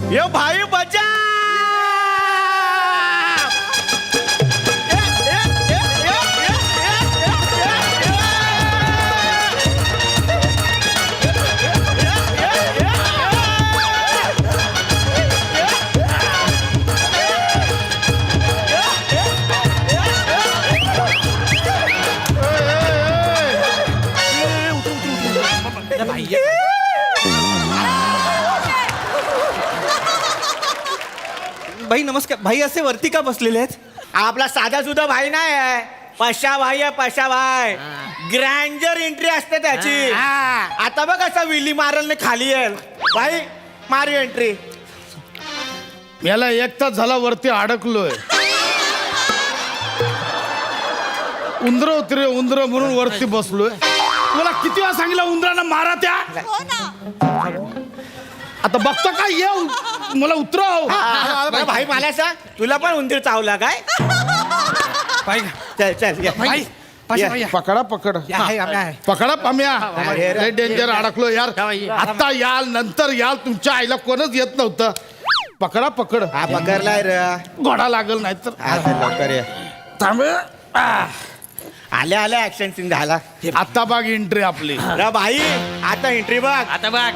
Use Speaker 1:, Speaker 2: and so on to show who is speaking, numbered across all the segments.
Speaker 1: यो भाई बचा
Speaker 2: भाई नमस्कार. भाई असे वरती का बसलेले आहेत?
Speaker 1: आपला साधा सुद्धा भाई नाही आहे. पशा भाई आहे, पशा भाई. ग्रँजर एंट्री असते त्याची. आता बघ असा विली मारलने खाली येईल भाई. मारी एंट्री.
Speaker 3: याला एक तास झाला वरती अडकलोय. उंदर होती रे उंदर म्हणून वरती बसलोय. तुला किती वेळा सांगितलं उंदरांना मारा त्या. आता बघतो काय येऊ मला उतरव.
Speaker 1: भाई मला सांग तुला पण उंदीर चावला काय?
Speaker 2: भाई
Speaker 1: चल चल ये.
Speaker 2: भाई पाशा भाई
Speaker 3: पकडा पकड पकडा पाम्या. लय डेंजर अडकलो यार. आता याल नंतर याल. तुमच्या आईला कोणच येत नव्हतं. पकडा पकड.
Speaker 1: हा पकडलाय रे.
Speaker 3: घोडा लागल नाही तर
Speaker 1: हा चल लवकर ये.
Speaker 3: थांब.
Speaker 1: आल्या आल्या ऍक्शन सीन झाला.
Speaker 3: आता बघ एंट्री आपली.
Speaker 1: रे भाई आता एंट्री बघ.
Speaker 2: आता बघ.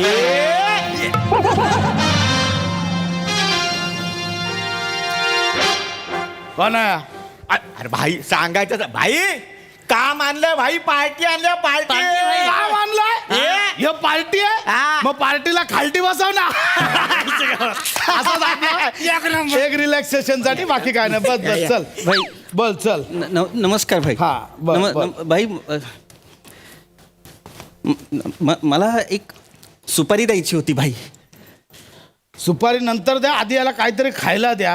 Speaker 3: कोण आहे?
Speaker 1: अरे भाई सांगायचं भाई काम आणलं भाई. पार्टी आणलं पार्टी.
Speaker 3: काम आणलंय हे पार्टी आहे.
Speaker 1: हा.
Speaker 3: मग पार्टीला खालटी बसव ना. असं दाखव. एक रिलॅक्सेशन साठी बाकी काय नाही. बस बस चल
Speaker 2: भाई
Speaker 3: बोल चल.
Speaker 2: नमस्कार भाई.
Speaker 3: हा, बोल.
Speaker 2: भाई मला एक सुपारी द्यायची होती भाई.
Speaker 3: सुपारी नंतर द्या. आधी याला काहीतरी खायला द्या.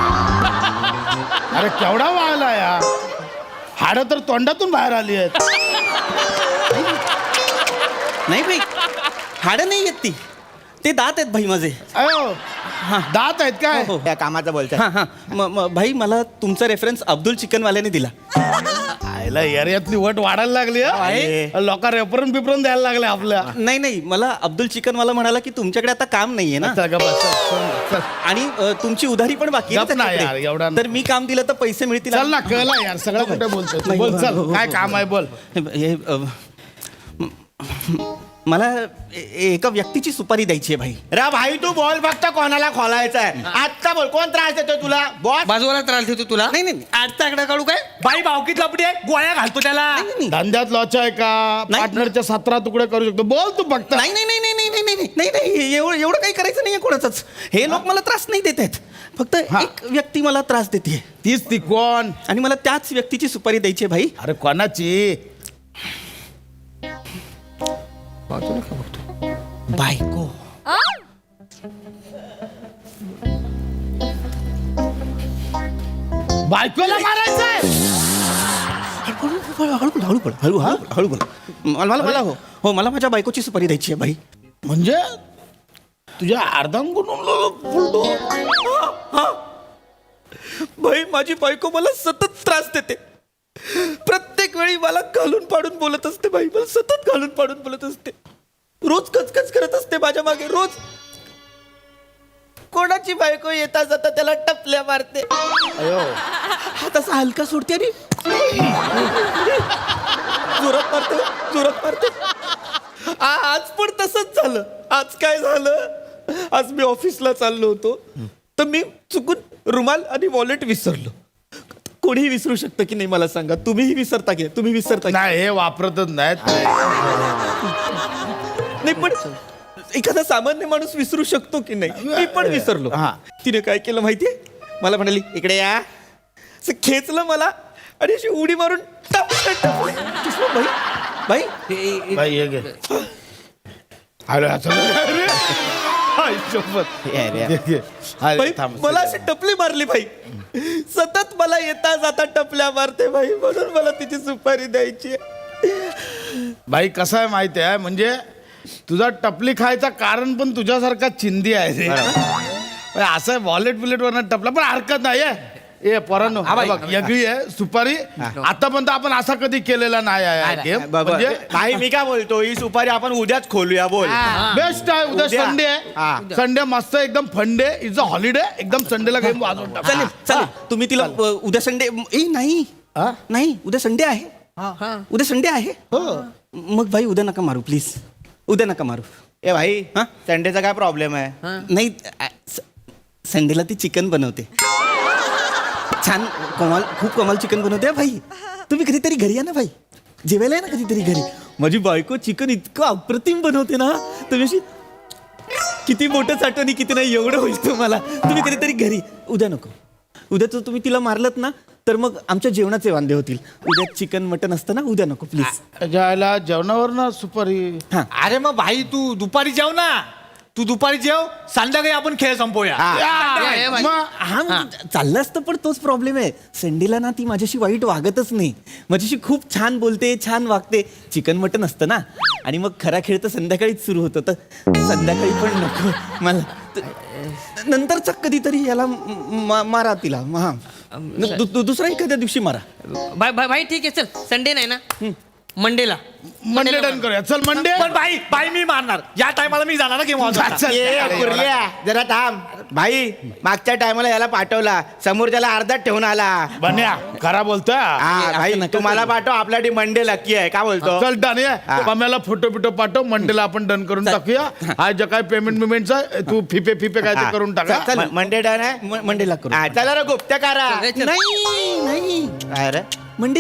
Speaker 3: अरे केवढा वाळला या. हाडं तर तोंडातून बाहेर आली आहेत.
Speaker 2: नाही भाई हाडं नाही येत ती. ते दात आहेत भाई माझे.
Speaker 3: अयो दात आहेत काय?
Speaker 2: हो, हो.
Speaker 1: त्या कामाचं बोलतोय.
Speaker 2: हा हा भाई मला तुमचा रेफरन्स अब्दुल चिकनवाल्याने दिला.
Speaker 3: आयला एरियातली वट वाढायला लागली. लोक रेफरन बिफरन द्यायला लागले आपल्या.
Speaker 2: नाही नाही मला अब्दुल चिकनवाला म्हणाला की तुमच्याकडे आता काम नाहीये ना.
Speaker 3: चल गं बस, चल, चल.
Speaker 2: आणि तुमची उधारी पण बाकी आहे
Speaker 3: गप ना
Speaker 2: त्याच्याकडे.
Speaker 3: यार, एवढा
Speaker 2: तर मी काम दिलं तर पैसे मिळतील.
Speaker 3: चल ना कळला यार सगळं कुठे बोलतोय तू. बोल चल काय काम आहे बोल.
Speaker 2: मला एका व्यक्तीची सुपारी द्यायची आहे भाई.
Speaker 1: रे भाई तू बोल फक्त कोणाला खोलायचा आहे. आत्ता बोल कोण त्रास देतो तुला. बॉस
Speaker 4: बाजूला त्रास देतो तुला.
Speaker 2: नाही नाही
Speaker 4: आजचा आकडा काढू काय?
Speaker 1: बाई भावकीत लपडी आहे. गोळ्या घालतो त्याला.
Speaker 2: नाही
Speaker 3: धंद्यात लॉच आहे का?
Speaker 2: नाही.
Speaker 3: पार्टनरच्या 17 तुकडे करू शकतो. बोल तू फक्त.
Speaker 2: नाही नाही नाही नाही नाही नाही नाही नाही एवढं काही करायचं नाहीये कोणाचंच. हे लोक मला त्रास नाही देत आहेत. फक्त
Speaker 3: हा.
Speaker 2: एक व्यक्ती मला त्रास देते
Speaker 3: तीच ती कोण?
Speaker 2: आणि मला त्याच व्यक्तीची सुपारी द्यायची आहे भाई.
Speaker 3: अरे कोणाची?
Speaker 2: बायको.
Speaker 3: बायकोला मारायचंय?
Speaker 2: हळू बोल हळू बोल. मला हो हो मला माझ्या बायकोची सुपारी द्यायची आहे भाई.
Speaker 3: म्हणजे तुझ्या अर्धांगून फुलतो.
Speaker 2: भाई माझी बायको मला सतत त्रास देते. प्रत्येक वेळी मला घालून पाडून बोलत असते भाई. मला सतत घालून पाडून बोलत असते. रोज कचकच करत असते माझ्या मागे. रोज कोणाची बायको येता जाता त्याला टपल्या मारते. हात असा हलका सोडते आणि जोरात मारते. आज पण तसंच झालं. आज काय झालं? आज मी ऑफिसला चाललो होतो तर मी चुकून रुमाल आणि वॉलेट विसरलो. कोणीही विसरू शकतं की नाही मला सांगा. तुम्हीही विसरता की तुम्ही विसरता की
Speaker 3: नाही हे वापरतच नाहीत.
Speaker 2: नाही. पण एखादा सामान्य माणूस विसरू शकतो की नाही. मी पण विसरलो.
Speaker 3: हा.
Speaker 2: तिने काय केलं माहितीये? मला म्हणाली इकडे या. असं खेचलं मला आणि अशी उडी मारून टपलं. भाई भाई
Speaker 3: बाई हे घे. अरे अरे. आई शपथ. घे, घे. अरे,
Speaker 2: भाई
Speaker 3: थांब.
Speaker 2: मला अशी टपली मारली भाई. सतत मला येता जाता टपल्या मारते भाई. म्हणून मला तिची सुपारी द्यायची.
Speaker 3: बाई कसं आहे माहिती आहे म्हणजे तुझा टपली खायचा कारण पण तुझ्यासारखा चिंदी आहे रे. असं वॉलेट बिलेट वरनं टपला पण हरकत नाही. ए पोरांनो बघ वेगळी आहे सुपारी आतापर्यंत आपण असा कधी केलेला नाही आहे गेम म्हणजे
Speaker 1: भाई मी काय बोलतो ही सुपारी आपण उद्याच खोलूया बोल
Speaker 3: बेस्ट आहे उद्या
Speaker 1: उद्या.
Speaker 3: संडे
Speaker 1: हा.
Speaker 3: आहे संडे मस्त एकदम फंडे इज अ हॉलिडे एकदम संडेला गेम वाजवून टाकू.
Speaker 4: चालेल चालेल तुम्ही तिला उद्या संडे नाही नाही उद्या संडे आहे उद्या संडे आहे मग भाई उद्या नका मारू प्लीज उद्या नका मारू
Speaker 1: ए भाई
Speaker 4: हा?
Speaker 1: संडेचा काय प्रॉब्लेम आहे
Speaker 4: नाही संडेला ती चिकन बनवते छान कमाल खूप कमाल चिकन बनवते हा भाई तुम्ही कधीतरी घरी या ना भाई जेवायला या ना कधीतरी घरी माझी बायको चिकन इतकं अप्रतिम बनवते ना तुम्ही अशी किती मोठं साठवणी किती नाही एवढं होईल तुम्हाला तुम्ही कधीतरी घरी उद्या नको उद्या तर तुम्ही तिला मारलत ना तर मग आमच्या जेवणाचे वांदे होतील उद्या चिकन मटन असतं ना उद्या नको प्लीज
Speaker 3: जायला जेवणावर ना सुपारी
Speaker 4: हां
Speaker 2: अरे मग भाई तू दुपारी जेव ना तू दुपारी जेव संध्याकाळी आपण खेळ संपवूया
Speaker 3: मग
Speaker 4: हा म्हणजे चाललं असतं पण तोच प्रॉब्लेम आहे संडेला ना ती माझ्याशी वाईट वागतच नाही माझ्याशी खूप छान बोलते छान वागते चिकन मटन असतं ना आणि मग खरा खेळ तर संध्याकाळीच सुरू होतो तर संध्याकाळी पण नको मला नंतरचा कधीतरी याला मारा तिला हा दुसरा एखाद्या दिवशी मारा
Speaker 5: भाई ठीक आहे चल संडे नाही ना मंडेला
Speaker 3: मंडे डन करूया चल मंडे
Speaker 2: पण भाई मी मारणार या टायमाला मी जाणार ना गेम वाजवायला.
Speaker 1: ए, कुर्ल्या, जरा थांब भाई मागच्या टायमाला याला पाठवला समोर त्याला अर्धात ठेवून आला
Speaker 3: बन्या खरा बोलतोय
Speaker 1: हा भाई
Speaker 4: नका
Speaker 1: तुम्हाला
Speaker 4: करू.
Speaker 1: पाठव आपल्यासाठी मंडे लकी आहे का बोलतो
Speaker 3: चल डन
Speaker 1: हा.
Speaker 3: आहे पम्याला फोटो बिटो पाठव मंडेला आपण डन करून टाकूया आज जे काय पेमेंट बिमेंटचा तू फिपे काय ते करून टाका
Speaker 1: मंडे डन आहे
Speaker 4: मंडेला करू
Speaker 1: हा, चला रे गुप्त करा
Speaker 4: नाही नाही
Speaker 1: काय रे
Speaker 4: मंडे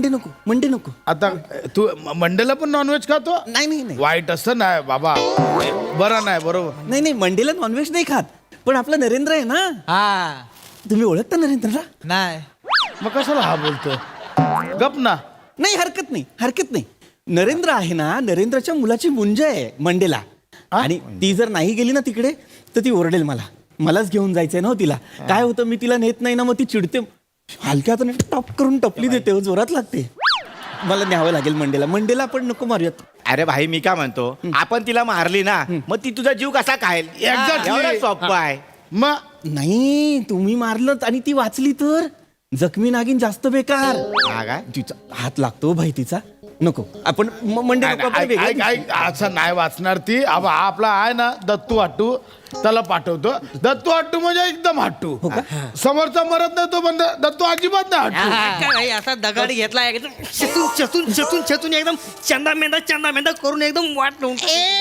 Speaker 4: नको
Speaker 3: आता तू मंडेला पण नॉनव्हेज खातो
Speaker 4: नाही नाही नाही
Speaker 3: वाईट असं नाही बाबा बरं नाही बरोबर
Speaker 4: नाही मंडेला नॉनव्हेज नाही खात पण आपला नरेंद्र आहे ना
Speaker 2: हा
Speaker 4: तुम्ही ओळखता नरेंद्रला
Speaker 2: नाही
Speaker 3: मग कशाला हा बोलतोय गप ना
Speaker 4: नाही हरकत नाही नरेंद्र आहे ना नरेंद्रच्या मुलाची मुंज आहे मंडेला आणि ती जर नाही गेली ना तिकडे तर ती ओरडेल मलाच घेऊन जायचंय ना हो तिला काय होतं मी तिला नेत नाही ना मग ती चिडते हलक्यात टॉप करून टपली देते हो, जोरात लागते मला न्यावं लागेल मंडेला आपण नको मारूयात
Speaker 1: अरे भाई मी काय म्हणतो आपण तिला मारली ना मग ती तुझा जीव कसा खाईल
Speaker 3: Exactly.
Speaker 1: एवढं सोपं आहे
Speaker 3: मग
Speaker 4: नाही तुम्ही मारलं आणि ती वाचली तर जखमी नागिन जास्त बेकार
Speaker 1: हा काय
Speaker 4: तिचा हात लागतो भाई तिचा नको आपण मंडे नको आपण वेगळ्या दिवशी.
Speaker 3: असं नाही वाचणार ती अब हा आपला आहे ना दत्तू हट्टू त्याला पाठवतो दत्तू हट्टू म्हणजे एकदम हट्टू समोरचा मरत नाही तो पण दत्तू अजिबात नाही हट्टू
Speaker 5: भाई असा दगड घेतला एकदम चतून एकदम चंदा मेंदा करून एकदम वाट लावून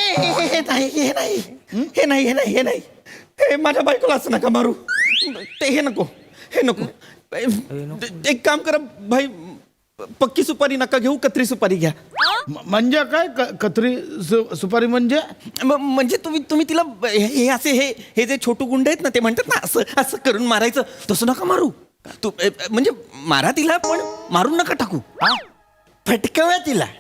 Speaker 4: हे नाही हे माझ्या बायकोला असं नका मारू हे नको एक काम करा भाई पक्की सुपारी नका घेऊ कत्री सुपारी घ्या
Speaker 3: म्हणजे काय कत्री सुपारी म्हणजे
Speaker 4: म्हणजे तुम्ही तिला हे असे हे जे छोटू गुंड आहेत ना ते म्हणतात ना असं करून मारायचं तसं नका मारू म्हणजे मारा तिला पण मारून नका टाकू फटकाव्या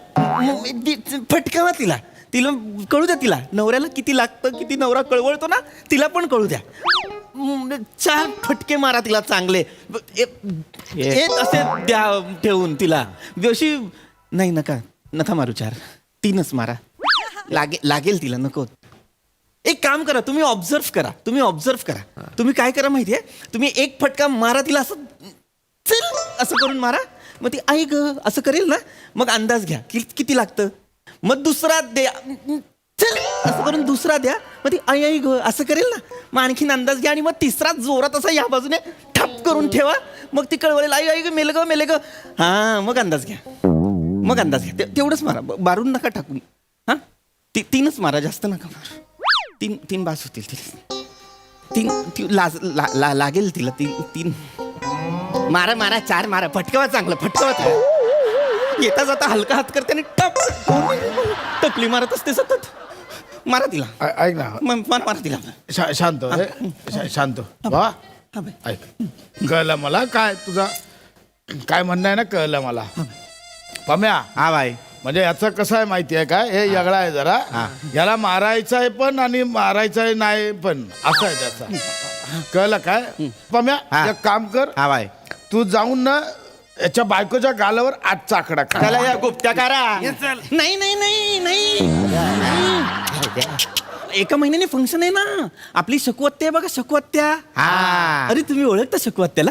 Speaker 4: तिला कळू द्या तिला नवऱ्याला किती लागतं किती नवरा कळवळतो ना तिला पण कळू द्या 4 फटके मारा तिला चांगले असे द्या ठेवून तिला अशी नाही नका मारू 4 3च मारा लागेल तिला नको एक काम करा तुम्ही ऑब्झर्व करा तुम्ही काय करा माहितीये तुम्ही एक फटका मारा तिला असं चल असं करून मारा मग ती आई ग असं करेल ना मग अंदाज घ्या किती लागतं मग दुसरा द्या चल असं करून दुसरा द्या मग ती आई ग असं करेल ना मग आणखीन अंदाज घ्या आणि मग तिसरा जोरात असा या बाजूने ठप करून ठेवा मग ती कळवळेल आई ग मेल ग हा मग अंदाज घ्या तेवढंच मारा मारून नका टाकून हा 3च मारा जास्त नका मारा 3 बास होतील 3 लागेल तिला 3 मारा 4 मारा फटकावा चांगला येता जाता हलका हात करते आणि टपली मारत असते सतत मारा तिला
Speaker 3: ऐक ना
Speaker 4: मारा तिला
Speaker 3: शांत वा ऐक कळलं मला काय तुझा काय म्हणणं आहे ना कळलं मला पम्या
Speaker 1: हा भाई
Speaker 3: म्हणजे याचं कसं आहे माहिती आहे काय हे वेगळा आहे जरा याला मारायचं आहे पण आणि मारायचं आहे नाही पण असं आहे त्याचा कळलं काय पम्या एक काम कर
Speaker 1: हा भाई
Speaker 3: तू जाऊन ना याच्या बायकोच्या गालावर 8 चाकडा खा.
Speaker 1: चला या गुप्त्या करा
Speaker 4: नाही एका महिन्याने फंक्शन आहे ना आपली शकवत्या आहे बघा शकवत्या.
Speaker 1: हा.
Speaker 4: अरे तुम्ही ओळखता शकवत्याला?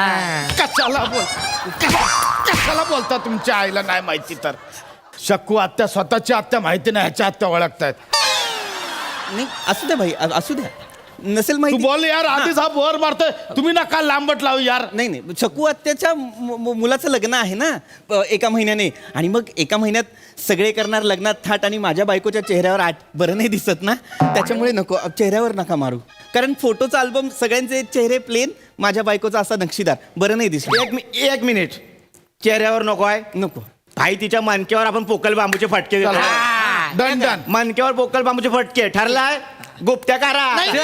Speaker 3: कशाला बोलता तुमच्या आईला नाही माहिती तर? शकू आत्या स्वतःची आत्या माहिती नाही, ह्याच्या आत्या ओळखतायत.
Speaker 4: नाही असू द्या भाई असू द्या, नसेल
Speaker 3: तू
Speaker 4: माहिती.
Speaker 3: बोल यार, आधीच हा वर मारतोय. तुम्ही नका लांबट लावू यार.
Speaker 4: नाही शकू आत्याच्या मुलाचं लग्न आहे ना एका महिन्याने, आणि मग एका महिन्यात सगळे करणार लग्नात थाट, आणि माझ्या बायकोच्या चेहऱ्यावर बरं नाही दिसत ना, त्याच्यामुळे नको, चेहऱ्यावर नका मारू. कारण फोटोचा अल्बम सगळ्यांचे चेहरे प्लेन, माझ्या बायकोचा असा नक्षीदार, बरं नाही दिसत.
Speaker 1: एक मिनिट, चेहऱ्यावर नको आहे?
Speaker 4: नको.
Speaker 1: भाई तिच्या मनक्यावर आपण पोकल बांबूचे फटके देतो.
Speaker 3: Done done.
Speaker 1: मनक्यावर पोकल बांबूचे फटके ठरलाय. गुप्त्या कारा.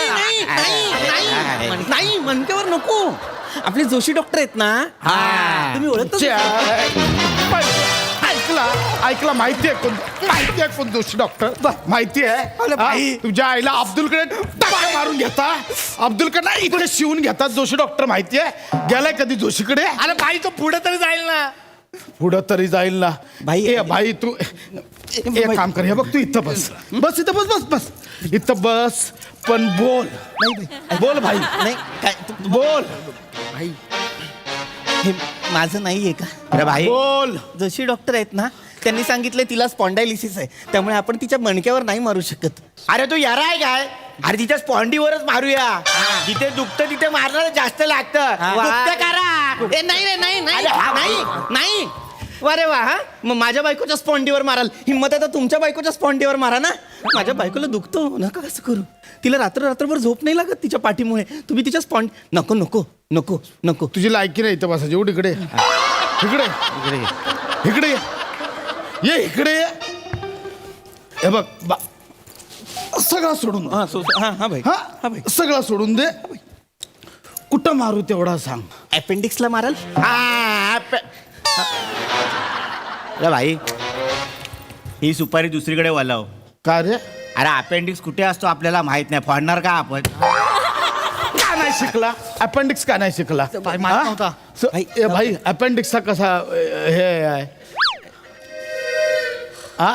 Speaker 4: नाही मनक्यावर नको. आपले जोशी डॉक्टर आहेत ना, तुम्ही ओळखता?
Speaker 3: ऐकला माहितीये कोण दोषी डॉक्टर? माहिती आहे तुझ्या आईला अब्दुलकडे टाका मारून घेता, अब्दुलकडे इकडे शिवून घेतात जोशी डॉक्टर. माहितीये गेलाय कधी जोशीकडे?
Speaker 2: अरे भाई तो पुढे तरी जाईल ना.
Speaker 3: पुढं तरी जाईल ना
Speaker 4: भाई.
Speaker 3: ए भाई तू एक काम कर, हे बघ तू इथं बस इथं बस इथं बस, पण बोल भाई,
Speaker 4: नाही काय
Speaker 3: बोल
Speaker 4: हे माझं नाहीये का?
Speaker 1: अरे भाई
Speaker 3: बोल.
Speaker 4: जोशी डॉक्टर आहेत ना, त्यांनी सांगितलं तिला स्पॉन्डायलिसिस आहे, त्यामुळे आपण तिच्या मणक्यावर नाही मारू शकत.
Speaker 1: अरे तू यारा आहे काय? अरे तिच्या स्पॉन्डीवरच मारूया. जिथे दुखतं तिथे मारणार जास्त लागतं. गुप्त्या कारा.
Speaker 4: नाही रे नाही नाही
Speaker 1: अरे हा,
Speaker 4: नाही नाही. अरे वा, हा मग माझ्या बायकोच्या स्पॉन्डीवर माराल? हिंमत आहे तर तुमच्या बायकोच्या स्पॉन्डीवर मारा ना. माझ्या बायकोला दुखतो, नका कसं करू. तिला रात्रभर झोप नाही लागत तिच्या पाठीमुळे. तुम्ही तिच्या नको नको नको नको.
Speaker 3: तुझी लायकी नाही इथं बसायची. एवढी इकडे ये इकडे ये. हे बघ सगळं सोडून
Speaker 4: हा हा भाई.
Speaker 3: हा सगळं सोडून दे. कुठं मारू तेवढा सांग.
Speaker 4: अपेंडिक्सला माराल?
Speaker 1: अरे भाई ही सुपारी दुसरीकडे वळव.
Speaker 3: का रे?
Speaker 1: अरे अपेंडिक्स कुठे असतो आपल्याला माहित नाही, फोडणार का आपण?
Speaker 3: का नाही शिकला अपेंडिक्स? का नाही शिकला?
Speaker 2: माहित नव्हता.
Speaker 3: भाई अपेंडिक्सचा कसा हे आहे? हा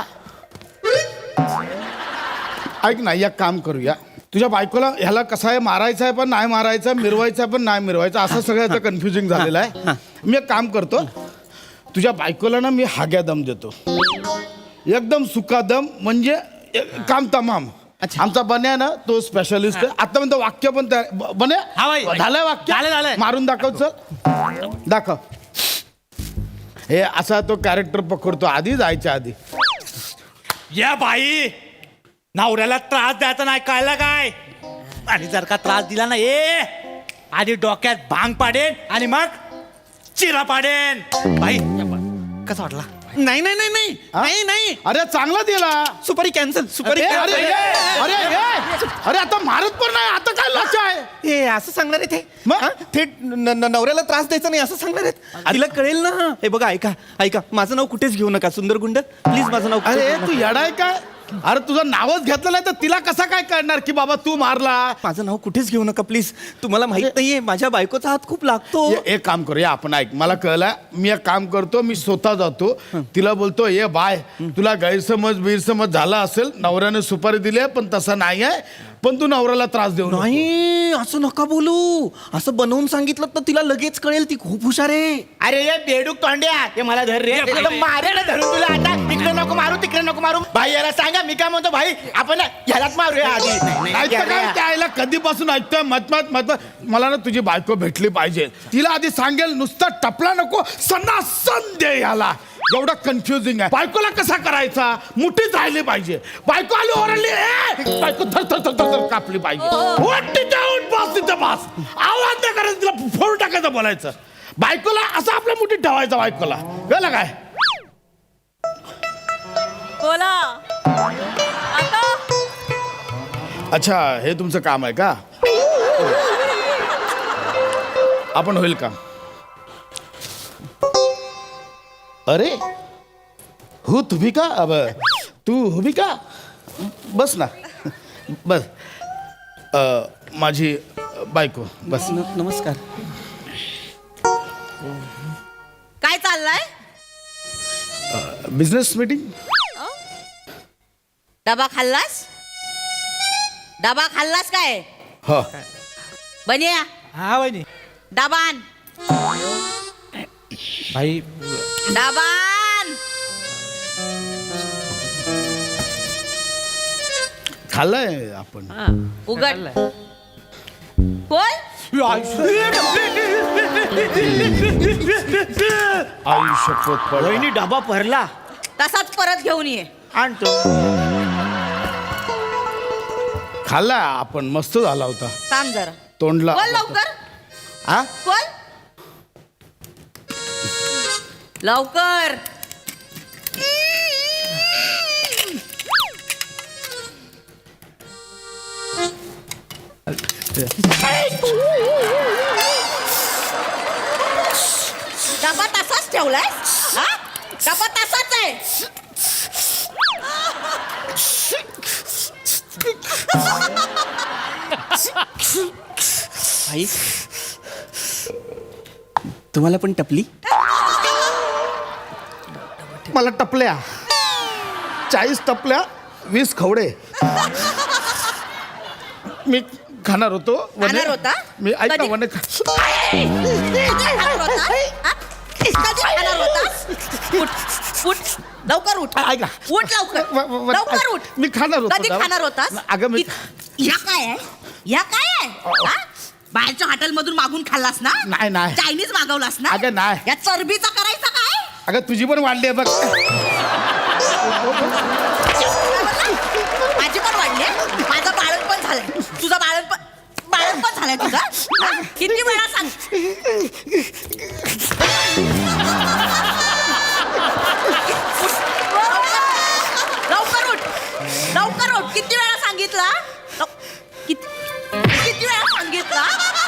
Speaker 3: ऐक ना, एक काम करूया. तुझ्या बायकोला ह्याला कसं आहे, मारायचं आहे पण नाही मारायचं, मिरवायचं आहे पण नाही मिरवायचं, असं सगळ्याचं कन्फ्युजिंग झालेलं आहे. मी एक काम करतो, तुझ्या बायकोला ना मी हाग्या दम देतो, एकदम सुका दम, म्हणजे काम तमाम. आमचा बन्या ना तो स्पेशलिस्ट आहे. आता म्हणतो वाक्य पण बन्या
Speaker 2: हा भाई.
Speaker 3: झालंय वाक्य?
Speaker 2: झालंय.
Speaker 3: मारून दाखव. चल दाखव. हे असा तो कॅरेक्टर पकडतो आधी, जायच्या आधी.
Speaker 2: या बाई, नवऱ्याला त्रास द्यायचा नाही, कळलं काय? आणि जर का त्रास दिला ना, आधी डोक्यात भांग पाडेन आणि मग चिरा पाडेन. बाई कसा वाटला?
Speaker 4: नाही नाही नाही नाही नाही नाही.
Speaker 3: अरे चांगला दिला.
Speaker 4: सुपारी कॅन्सल. सुपारी
Speaker 3: अरे अरे
Speaker 4: cancel.
Speaker 3: अरे अरे आता मारत पण नाही, आता काय लक्ष आहे?
Speaker 4: हे असं सांगणार आहे ते?
Speaker 3: मग?
Speaker 4: हा? थेट नवऱ्याला त्रास द्यायचा नाही असं सांगणार आहेत? तिला कळेल ना. हे बघा, ऐका माझं नाव कुठेच घेऊ नका, सुंदर गुंड प्लीज, माझं नाव कुठेच
Speaker 3: अरे
Speaker 4: घेऊ
Speaker 3: तू
Speaker 4: नका.
Speaker 3: येडाय काय? अरे तुझं नावच घेतलं नाही तर तिला कसा काय कळणार की बाबा तू मारला?
Speaker 4: माझं नाव कुठेच घेऊ नका प्लीज. तुम्हाला माहित नाहीये माझ्या बायकोचा हात खूप लागतो.
Speaker 3: एक काम करूया आपण, ऐक मला कळलं. मी एक काम करतो, मी स्वतः जातो, तिला बोलतो ये बाय, तुला गैरसमज झाला असेल, नवऱ्याने सुपारी दिली आहे पण तसं नाही आहे, पण तू नवऱ्याला त्रास देऊ नको.
Speaker 4: नाही असं नका बोलू. असं बनवून सांगितलं तर तिला लगेच कळेल, ती खूप हुशार आहे.
Speaker 1: अरे ये बेडूक तोंड्या, हे मला धर रे. मारेला धरून तुला आता. इकडे नको मारू, तिकडे नको मारू. भाई याला सांगा, मी काय म्हणतो भाई, आपण ह्यालाच मारूया आधी.
Speaker 3: ऐकतं काय त्याला कधीपासून ऐकतोय मत मला ना तुझी बायको भेटली पाहिजे. तिला आधी सांगेल, नुसता टपला नको, सन्नासन दे ह्याला. एवढा कन्फ्युजिंग आहे. बायकोला कसा करायचा? मुठीच राहिली पाहिजे. बायको आली ओरडली, बायको थर कापली पाहिजे. तिथं बस, आवाज नाही करायचा, तिला फोड टाकायचं, बोलायचं. बायकोला असं आपल्या मुठीत ठेवायचं बायकोला, कळलं काय?
Speaker 6: बोला आता.
Speaker 3: अच्छा, हे तुमचं काम आहे का? आपण होईल का? अरे हो तुम्ही का? अब तू हुबी का? बस ना, बस. माझी बायको बस.
Speaker 4: नमस्कार.
Speaker 6: काय चाललंय?
Speaker 3: Business meeting.
Speaker 6: डबा खाल्लास? डबा खाल्लास काय
Speaker 3: हो
Speaker 6: बनिया
Speaker 2: हा वहिनी
Speaker 6: डबान
Speaker 2: भाई
Speaker 6: डबान
Speaker 3: खाल्लंय आपण
Speaker 6: उघड बोल
Speaker 3: आई शपथ पड
Speaker 1: वहिनी डबा भरला
Speaker 6: तसाच परत घेऊन ये
Speaker 1: आणतो.
Speaker 3: खाल्लाय आपण मस्त झाला होता
Speaker 6: थांब जरा
Speaker 3: तोंडला
Speaker 6: बोल लवकर
Speaker 1: हा
Speaker 6: बोल लवकर डबा तसाच ठेवलाय हा डबा तसाच आहे
Speaker 4: भाई तुम्हाला पण टपली
Speaker 3: मला टपल्या 40 टपल्या 20 खवडे मी खाणार होतो वने.
Speaker 6: खाणार होता?
Speaker 3: मी ऐक ना
Speaker 6: कधी?
Speaker 3: वने
Speaker 6: कधी खाणार होता? हा? कधी खाणार होता? उठ लवखर उठ
Speaker 3: ऐक ना.
Speaker 6: उठ लवकर लवकर उठ
Speaker 3: मी खाणार होतो
Speaker 6: कधी
Speaker 3: जरा.
Speaker 6: खाणार होतास
Speaker 3: अगं मी
Speaker 6: ह्या काय आहे ह्या काय आहे हा? बाहेरच्या हॉटेलमधून मागून खाल्लास ना
Speaker 3: नाही, नाही.
Speaker 6: चायनीज मागवलास ना
Speaker 3: अगं, नाही.
Speaker 6: या चरबीचा करायचा काय
Speaker 3: अगं तुझी पण वाढली आहे बघ
Speaker 6: माझी पण वाढली माझं बाळण पण झालंय तुझं बाळण पण झालंय तुझा हा? किती वेळा सांग लवकर उठ किती वेळा सांगितला किती वेळा सांगितला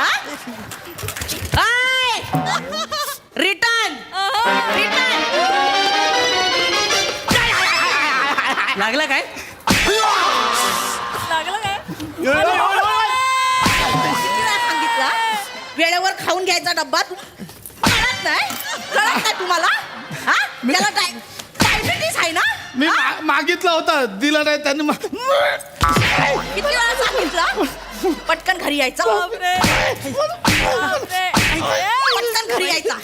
Speaker 6: रिटर्न
Speaker 5: लागला काय
Speaker 6: लागलं काय किती वेळा सांगितला वेळेवर खाऊन घ्यायचा डब्बा तू कळत नाही तुम्हाला हा त्याला डायबिटीस आहे ना
Speaker 3: मी मागितला होता दिला नाही त्यांनी
Speaker 6: किती वेळा सांगितलं पटकन घरी यायचं पटकन घरी यायचा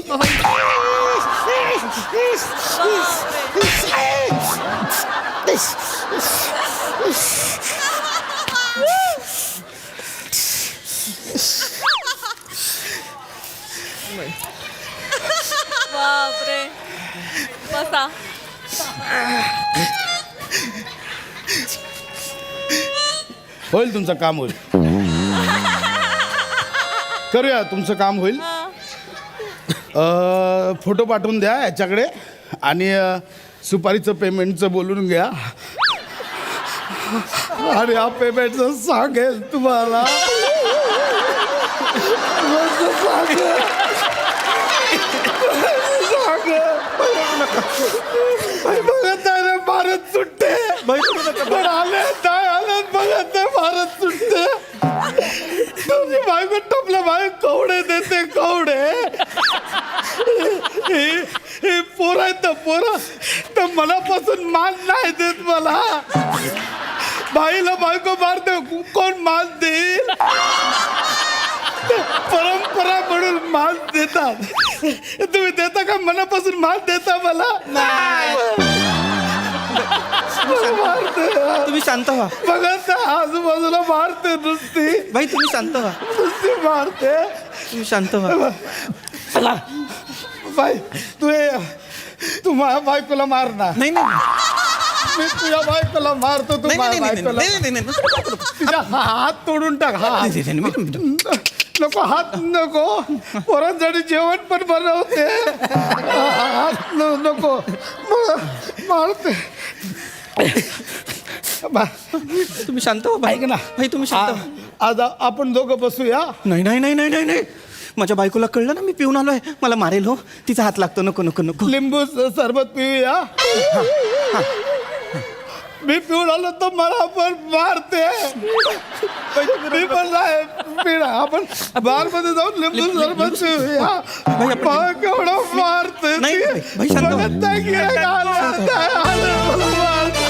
Speaker 7: बापरे बसा
Speaker 3: होईल तुमचं काम होईल करूया तुमचं काम होईल फोटो पाठवून द्या याच्याकडे आणि सुपारीचं पेमेंटचं बोलून घ्या आणि या पेमेंटचं सांगेल तुम्हाला बघत नाही रे भारत सुटते पण आले नाही आले बघत नाही भारत सुटते तुझी बायको टपल्या बाय कवडे देते कवडे हे पोरं आहेत ना पोरं तर मनापासून मान नाही देत मला बाईला बायको मारते कोण मान देईल परंपरा म्हणून मान देतात तुम्ही देता का मनापासून मान देता मला
Speaker 4: तुम्ही शांत व्हा
Speaker 3: बघत आजूबाजूला मारते नुसती
Speaker 4: भाई तुम्ही शांत व्हा
Speaker 3: नुसती मारते
Speaker 4: तुम्ही शांत व्हा
Speaker 3: बाई तू माझ्या बायकोला मार ना
Speaker 4: नाही नाही
Speaker 3: मी तुझ्या बायकोला मारतो तू
Speaker 4: नाही
Speaker 3: माझ्या
Speaker 4: नाही
Speaker 3: बायकोला
Speaker 4: नाही नाही नाही
Speaker 3: तिचा हात तोडून टाक हात नको हात नको पोरांसाठी जेवण पण बनवते हात नको मारते
Speaker 4: तुम्ही शांत व्हा
Speaker 3: ऐक ना
Speaker 4: भाई तुम्ही शांत व्हा
Speaker 3: आज आपण दोघं बसूया
Speaker 4: नाही नाही नाही नाही नाही नाही माझ्या बायकोला कळलं ना मी पिऊन आलोय मला मारेल हो तिचा हात लागतो नको नको नको
Speaker 3: लिंबू सरबत पिऊया मी पिऊन आलो तर मला पण मारते मी पण नाही पिणार आपण बार मध्ये जाऊन लिंबू सरबत पिऊया केवढं मारते
Speaker 4: नाही, भाई, शांत व्हा.
Speaker 3: बघत नाही की आलं, आलं, मला मारते.